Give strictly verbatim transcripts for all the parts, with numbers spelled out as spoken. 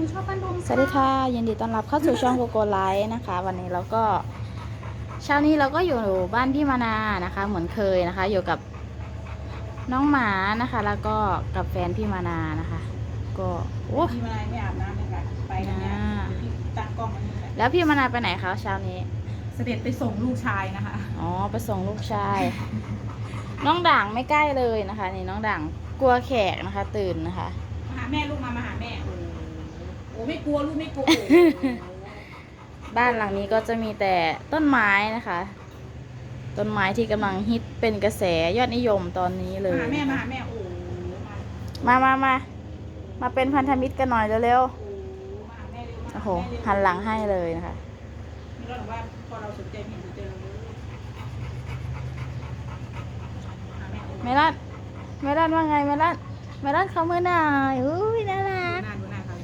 นูชอบบ้านดงสวัสดีค่ะยินดีต้อนรับเข้าสู่ช่องโกโกไลฟ์นะคะ วันนี้เราก็เช้านี้เราก็อยู่บ้านพี่มานานะคะ เหมือนเคยนะคะ อยู่กับน้องหมานะคะ แล้วก็กับแฟนพี่มานานะคะ ก็โอ้พี่มาไม่อาบน้ำเลยค่ะไปกันเนี่ยพี่ตั้งกล้องมันนี่แหละแล้วพี่มานาไปไหนคะเช้านี้เสด็จไปส่งลูกชายนะคะอ๋อไปส่งลูกชาย น้องด่างไม่ใกล้เลยนะคะนี่น้องด่างกลัวแขกนะคะ ตื่นนะคะมาหาแม่ลูกมามาหาแม่โอ้โหไม่กลัวลูกไม่กลัวบ้านหลังนี้ก็จะมีแต่ต้นไม้นะคะ ต้นไม้ที่กำลังฮิตเป็นกระแสยอดนิยมตอนนี้เลยมาหาแม่มาหาแม่โอ้มามามามาเป็นพันธมิตรกันหน่อยเร็วๆมาหาแม่เร็วๆโอ้โหหันหลังให้เลยนะคะนี่เราบอกว่าพอเราสนใจเห็นสนใจเราเลยหาแม่เมลอนเมลอนว่าไงเมลอนเมลอนเขามือหน่อยอุ้ยน่ารักดูหน้าดูหน้าเขาเลย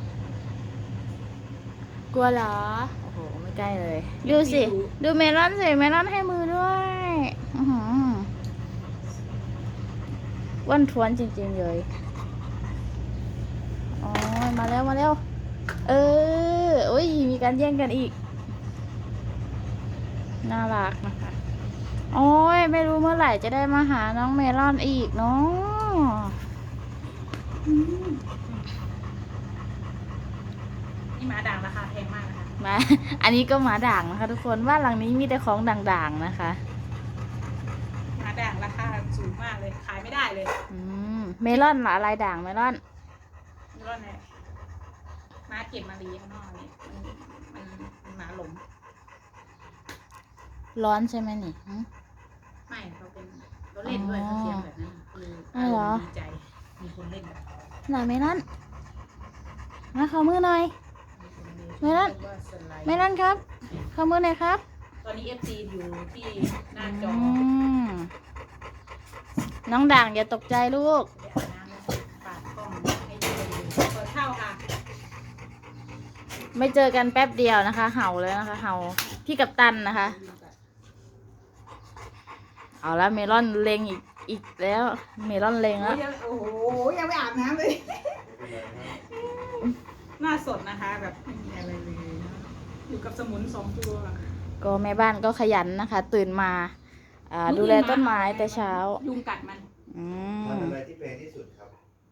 กลัวเหรอโอ้โหไม่ใกล้เลยดูสิดูเมลอนสิเมลอนให้มือด้วยอื้อหืออ้วนท้วนจริงๆเลยอ๋อมาแล้วมาแล้วเออโอ้ยมีการแย่งกันอีกน่ารักนะคะโอ้ยไม่รู้เมื่อไหร่จะได้มาหาน้องเมลอนอีกเนาะนี่หมาด่างราคาแพงมากนะคะมาอันนี้ก็หมาด่างนะคะทุกคนบ้านหลังนี้มีแต่ของด่างๆนะคะหมาด่างราคาสูงมากเลยขายไม่ได้เลยอืมเมลอนหมาอะไรด่างเมลอนเมลอนเนี่ยม้าเก็บมาเลี้ยงข้างนอกนี่มันมันมันหมาหลงร้อนใช่ไหมนี่ไม่เขาเป็นเขาเล่นด้วยเขาเสียงแบบนั้นคืออารมณ์ดีใจมีคนเล่นแบบหน่อยเมลอนมาขอมือหน่อยเมลอนเมลอนครับขอมือหน่อยครับตอนนี้เอฟซีอยู่ที่หน้าจอน้องด่างอย่าตกใจลูกปาดกล้องให้ดูเปิดเข้าค่ะไม่เจอกันแป๊บเดียวนะคะ เห่าเลยนะคะ เห่าพี่กัปตันนะคะเอาละเมลอนเลงอีกอีกแล้วเมลอนเลงแล้วโอ้โหยังไม่อาบน้ำเลยหน้าสดนะคะแบบไม่มีอะไรเลยอยู่กับสมุนสองตัวก็แม่บ้านก็ขยันนะคะ ตื่นมาดูแลต้นไม้แต่เช้ายุงกัดมันอืมมันอะไรที่แพงที่สุดครับ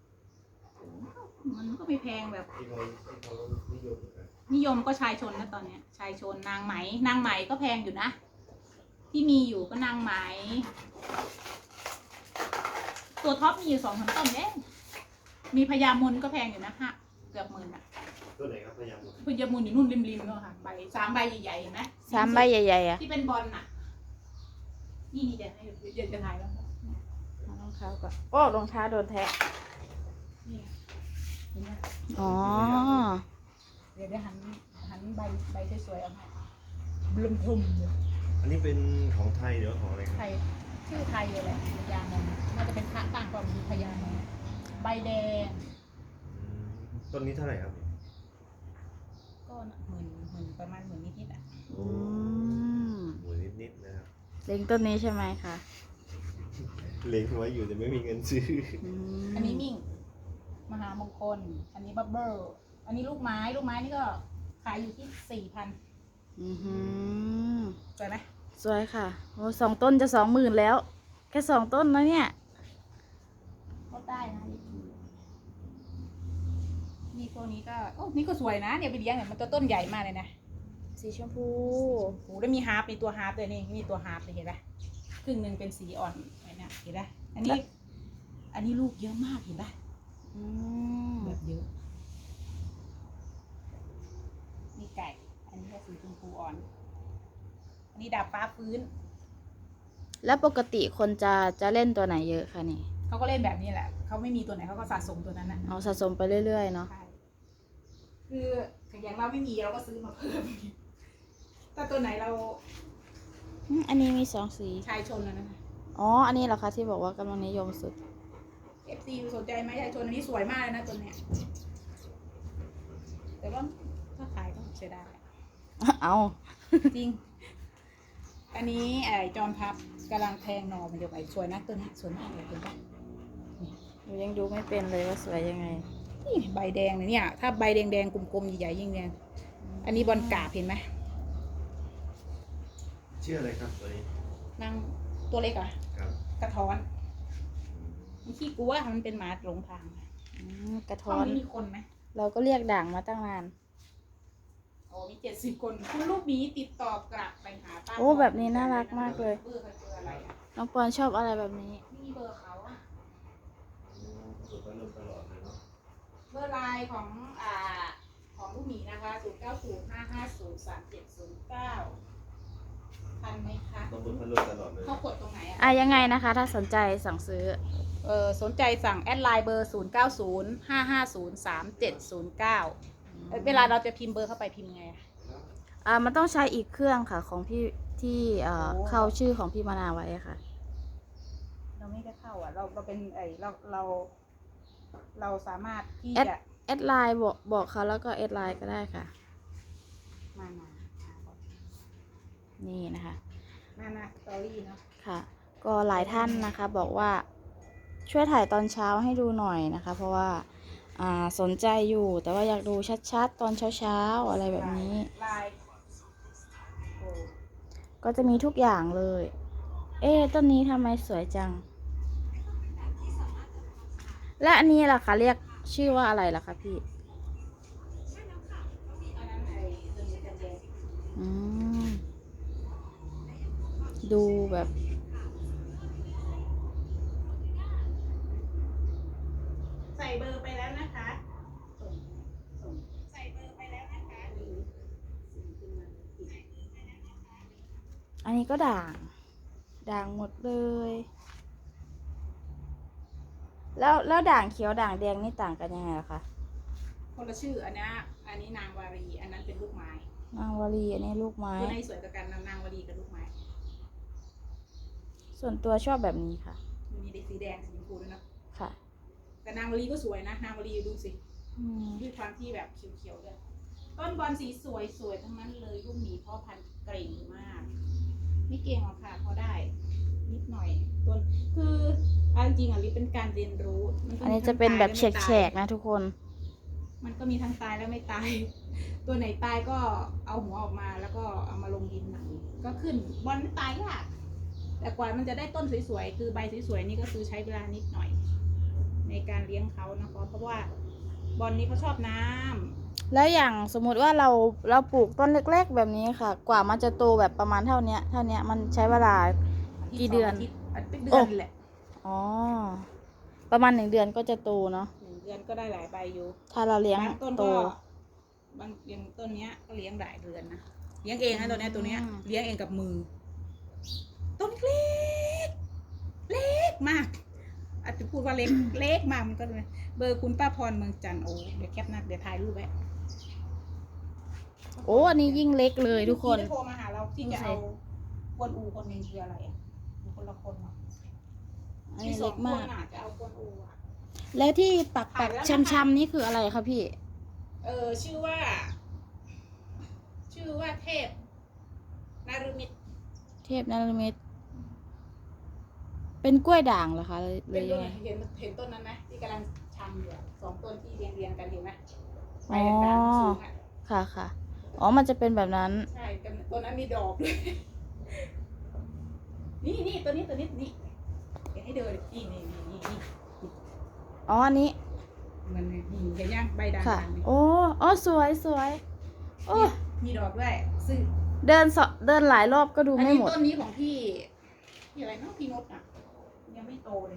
มันก็ไม่แพงแบบที่เขาที่เขานิยมกันนิยมก็ชายชนนะตอนเนี้ยชายชนนางไหมนางไหมก็แพงอยู่นะที่มีอยู่ก็นางไหมตัวท็อปมีอยู่สองพันต้นเองมีพญามนก็แพงอยู่นะฮะเกือบหมื่นอ่ะตัวไหนครับพยายามพญามนอยู่นู่นริมๆเนาะค่ะใบสามใบใหญ่ๆเห็นไหมสามใบใหญ่ๆอ่ะที่เป็นบอลน่ะนี่นี่เดี๋ยวให้เดี๋ยวจะถ่ายแล้วรองเท้าก่อนโอ้รองเท้าโดนแทะอ๋อเดี๋ยวเดี๋ยวหันหันใบใบสวยๆเอาให้บลุมพลุมอันนี้เป็นของไทยหรือของอะไรครับไทยชื่อไทยเลยแหละพญามนน่าจะเป็นพระต่างความมีพญามนใบแดงต้นนี้เท่าไหร่ครับก็หมื่นหมื่นประมาณหมื่นนิดๆอ่ะอืมหมื่นนิดๆนะครับเล็งต้นนี้ใช่ไหมคะเล็งไว้อยู่แต่ไม่มีเงินซื้ออันนี้มิ่งมหามงคลอันนี้บับเบิ้ลอันนี้ลูกไม้ลูกไม้นี่ก็ขายอยู่ที่สี่พันอือหือสวยไหมสวยค่ะโอ้สองต้นจะสองหมื่นแล้วแค่สองต้นนะเนี่ยก็ได้นะนี่ตัวนี้ก็โอ้นี่ก็สวยนะเนี่ยไปเลี้ยงเนี่ยมันตัวต้นใหญ่มากเลยนะสีชมพูโอ้แล้วมีฮาร์ปมีตัวฮาร์ปเลยนี่มีตัวฮาร์ปเลยเห็นไหมครึ่งหนึ่งเป็นสีอ่อนไอ้นี่เห็นไหมอันนี้อันนี้ลูกเยอะมากเห็นไหมแบบเยอะนี่ไก่อันนี้ก็สีชมพูอ่อนอันนี้ดาบฟ้าฟื้นแล้วปกติคนจะจะเล่นตัวไหนเยอะคะนี่เขาก็เล่นแบบนี้แหละเขาไม่มีตัวไหนเขาก็สะสมตัวนั้นนะเอาสะสมไปเรื่อยๆเนาะคืออย่างเราไม่มีเราก็ซื้อมาเพิ่มถ้าตัวไหนเราอันนี้มีสองสีชายชนแล้วนะอ๋ออันนี้เหรอคะที่บอกว่ากำลังนิยมสุดเอฟ ซี สนใจไหมชายชนอันนี้สวยมากเลยนะตัวเนี้ยแต่ว่าถ้าขายก็เสียดายเอาจริงอันนี้ไอ้จอมพับกำลังแทงหน่อมันจะไปสวยนะตัวนี้สวยมากเลยคุณป้าหนูยังดูไม่เป็นเลยว่าสวยยังไงนี่ใบแดงเลยเนี่ย ถ้าใบแดงๆกลมๆใหญ่ๆยิ่งแดงอันนี้บอลกราบเห็นไหมชื่ออะไรครับตัวนี้นางตัวเล็กอะครับกระท้อนมันขี้กลัวมันเป็นหมาหลงทางอืมกระห้ท้ออง นนี้มีคนไหมเราก็เรียกด่างมาตั้งนานโอ้มีเจ็ดสิบคนคุณลูกหมีติดต่อกลับไปหาป้าโอ้แบบนี้น่ารักมากเลยเบอร์เขาเจออะไรอะน้องปอนชอบอะไรแบบนี้ไม่มีเบอร์เขาอะตัวก็ลงตลอดเลยเนาะเบอร์ไลน์ของอ่าของลูกหมีนะคะศูนย์เก้าศูนย์ห้าห้าศูนย์สามเจ็ดศูนย์เก้าทันไหมคะต้องบนพัดลมตลอดเลยเขากดตรงไหนอะอ่ะยังไงนะคะ ถ้าสนใจสั่งซื้อเออสนใจสั่งแอดไลน์เบอร์ศูนย์เก้าศูนย์ห้าห้าศูนย์สามเจ็ดศูนย์เก้าเวลาเราจะพิมพ์เบอร์เข้าไปพิมพ์ไงอะอ่ามันต้องใช้อีกเครื่องค่ะของพี่ที่เอ่อโอ้เข้าชื่อของพี่มานาไว้ค่ะเราไม่ได้เข้าอ่ะ เราเราเป็นไอเราเรา เราสามารถที่แอดจะแอดไลน์บอกบอกเขาแล้วก็แอดไลน์ก็ได้ค่ะมามามาก่อนนี่นะคะมามาสตอรี่เนาะค่ะ ก็หลายท่านนะคะบอกว่าช่วยถ่ายตอนเช้าให้ดูหน่อยนะคะ เพราะว่าอ่าสนใจอยู่แต่ว่าอยากดูชัดๆ ตอนเช้าๆอะไรแบบนี้ไลน์โอ้ก็จะมีทุกอย่างเลย เอ๊ะต้นนี้ทำไมสวยจัง และอันนี้ล่ะคะเรียกชื่อว่าอะไรล่ะคะพี่อันนั้นไอเรื่องนี้จะแดงอืม ดูแบบใส่เบอร์ไปแล้วนะคะส่งส่งใส่เบอร์ไปแล้วนะคะนี่ส่งขึ้นมาอีกอันนี้ก็ด่าง ด่างหมดเลย แล้วแล้วด่างเขียวด่างแดงนี่ต่างกันยังไงล่ะคะคนละชื่ออันนี้อันนี้นางวารี อันนั้นเป็นลูกไม้นางวลีอันนี้ลูกไม้ตัวไหนสวยกว่ากันนางวารีกับลูกไม้ส่วนตัวชอบแบบนี้ค่ะมีเด็กสีแดงสีชมพูด้วยเนาะค่ะแต่นางวารีก็สวยนะ นางวารีดูสิอืมด้วยความที่แบบเขียวๆด้วยต้นบอลสีสวยสวยทั้งนั้นเลยลูกหมีพ่อพันธุ์เก่งมาก ไม่เก่งหรอกค่ะพอได้ นิดหน่อยต้นคือเอาจริงๆอ่ะลิเป็นการเรียนรู้มัก็อันมีนี้ทั้งจะเป็นแบบตายแและไม่ฉตายกๆนะทุกคนมันก็มีทั้งตายและไม่ตาย ตัวไหนตายก็เอาหัวออกมาแล้วก็เอามาลงดินใหม่ก็ขึ้นบอลตายยากแต่กว่ามันจะได้ต้นสวยๆคือใบสวยๆนี่ก็คือใช้เวลานิดหน่อย ในการเลี้ยงเขานะคะเพราะว่าบอลนี้เขาชอบน้ำแล้วอย่างสมมุติว่าเราเราปลูกต้นเล็กๆแบบนี้ค่ะ กว่ามันจะโตแบบประมาณเท่าเนี้ยเท่าเนี้ยมันใช้เวลา กี่เดือนาทิตย์อาทิตย์เป็นเดืโอ้อนแหละอ๋อ ประมาณหนึ่งเดือนก็จะโตเนาะหนึ่งเดือนก็ได้หลายใบอยู่ถ้าเราเลี้ยงบางต้นโตก็บางอย่างต้นเนี้ยก็เลี้ยงหลายเดือนนะเลี้ยงเองนะตัวเนี้ยตัวเนี้ยอืมเลี้ยงเองกับมือ ต้นเล็กเล็กมากอาจจะพูดว่าเล็ก เล็กมากมันก็เลยเบอร์คุณป้าพรเมืองจันทร์โอ้เดี๋ยวแคปหน้าเดี๋ยวถ่ายรูปไว้โอ้อันนี้ยิ่งเล็กเลยทุกคนที่โทรมาหาเราที่จะดูสิเอากวนอูคนหนึงคืออะไรอ่ะมีคนละคนเหรออันมีนี้สอเล็งกคมาน กอ่ะจะเอากวนอูอ่ะแล้วที่ปักปักขายแล้วนะคะช้ำๆนี่คืออะไรคะพี่เออชื่อว่า ชื่อว่าเทพนารมิตรเทพนรมิตรเป็นกล้วยด่างเหรอคะเลยเลเป็นยต้ยังนไงเห็นเห็นต้นนั้นไหมที่กำลังชำอยู่อะสองต้นที่เรียงเรียงๆกันเห็นไหมใบอ๋อด่างๆสูงอ่ะค่ะค่ะ อ๋อ มันจะเป็นแบบนั้นใช่แต่ต้นนั้นมีดอกด้วย นี่นี่ตัวนี้ตัวนี้นี่เดี๋ยวให้เดินนี่นี่นี่นี่นี่อ๋อ อันนี้มันนี่เห็นยังใบด่างค่ะๆนี่โอ้อ๋อสวยสวย โอ้มีดอกด้วยซึ่งเดินสอเดินหลายรอบก็ดูอันไม่นี้หมดต้นนี้ของพี่พี่อะไรเนาะพี่นุชอ่ะยังไม่โตเลย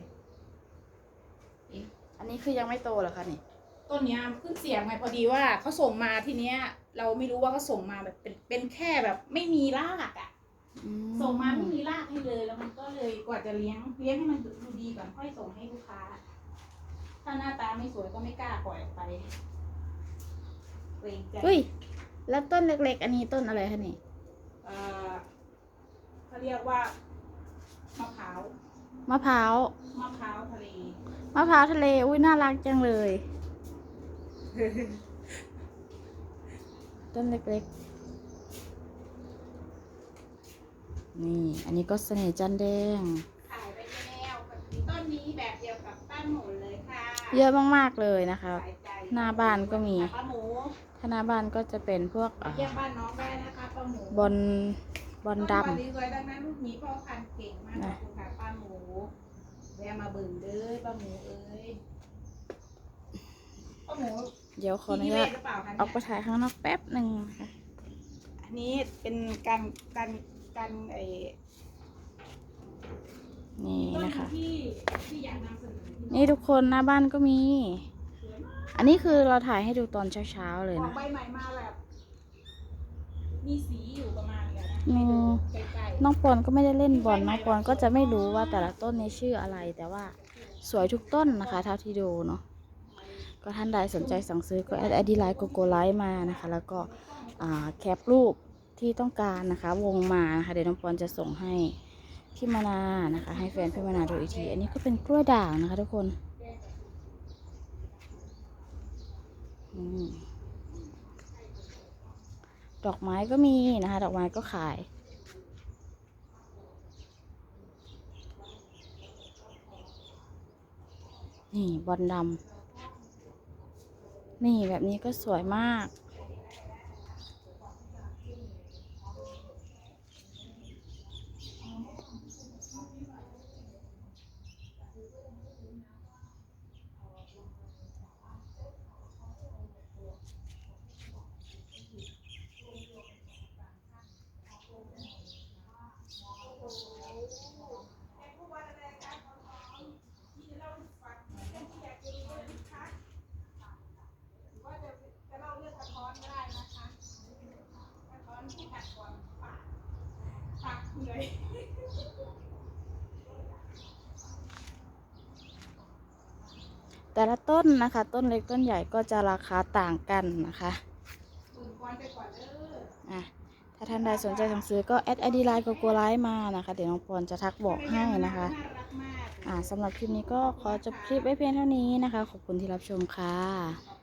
อันนี้คือยังไม่โตเหรอคะนี่ต้นเนี้ยเพิ่งเสียงไงพอดีว่าเขาส่งมาทีเนี้ย เราไม่รู้ว่าเขาส่งมาแบบเป็นเป็นแค่แบบไม่มีรากอ่ะอืส่งมาไม่มีรากให้เลยแล้วมันก็เลยกว่าจะเลี้ยงเลี้ยงให้มันดูดีก่อนค่อยส่งให้ลูกค้า ถ้าหน้าตาไม่สวยก็ไม่กล้าปล่อยออกไปเกรงใจอุ้ย แล้วต้นเล็กๆ อันนี้ต้นอะไรคะนี่เอ่อเขาเรียกว่ามะพร้าวมะพร้าวมะพร้าวทะเลมะพร้าวทะเล อุ้ยน่ารักจังเลย ต้นเล็กๆ นี่ อันนี้ก็เสน่ห์จันแดงขายไปแล้วต้นนี้แบบเดียวกับต้นหมุนเลยค่ะเยอะมากๆเลยนะคะสายใจหน้าบ้านก็มีปลาหมูถ้าหน้าบ้านก็จะเป็นพวกอ่าเยี่ยมบ้านน้องได้นะคะปลาหมูบอลบอลดต้นนี้สวยดังนั้นลูกหมีพ่อพันธุ์เก่งมากขนะอบคุณค่ะปลาหมูแวะมาเบิ่งเด้อปลาหมูเอ้ยปลาหมูำเดี๋ยวขออนุที่ญาตเวศหรือเปล่าคะออกไปเนี่ยถ่ายข้างนอกแป๊บหนึ่งนะคะอันนี้เป็นการการการไอ้นี่ต้นนะคะที่ที่อยากนำเสนอที่นี่ทุกคนหน้าบ้านก็มี อันนี้คือเราถ่ายให้ดูตอนเช้าๆเลยออกนะใบใหม่มาแบบมีสีอยู่ประมาณเนี้ยนะอืมให้ดูใกล้น้องปอนก็ไม่ได้เล่นบอลน้องปอนก็จะไม่รู้ว่าแต่ละต้นนี้ชื่ออะไร แต่ว่าสวยทุกต้นนะคะเท่าที่ดูเนาะก็ท่านใดสนใจสั่งซื้อก็แอดไอดีไลน์โกโก้ไลท์มานะคะ แล้วก็อ่าแคปรูปที่ต้องการนะคะ วงมานะคะเดี๋ยวน้องปอนจะส่งให้พี่มานานะคะ ให้แฟนพี่มานาดูอีกที อันนี้ก็เป็นกล้วยด่างนะคะทุกคนอืมดอกไม้ก็มีนะคะ ดอกไม้ก็ขาย นี่บอลดำนี่แบบนี้ก็สวยมากๆว่าจะจะเล่าเรื่องกระท้อนก็ได้นะคะกระท้อนที่ตัดก่อนปากปากเหนื่อยแต่ละต้นนะคะ ต้นเล็กต้นใหญ่ก็จะราคาต่างกันนะคะตื่นก่อนไปก่อนเด้ออ่ะถ้าท่านใดสนใจสั่งซื้อก็แอดไอดีไลน์โกโก้ไลท์มานะคะ เดี๋ยวน้องปอนจะทักบอกให้นะคะน่ารักมากอ่าสำหรับคลิปนี้ก็ขอจบคลิปไว้เพียงเท่านี้นะคะ ขอบคุณที่รับชมค่ะ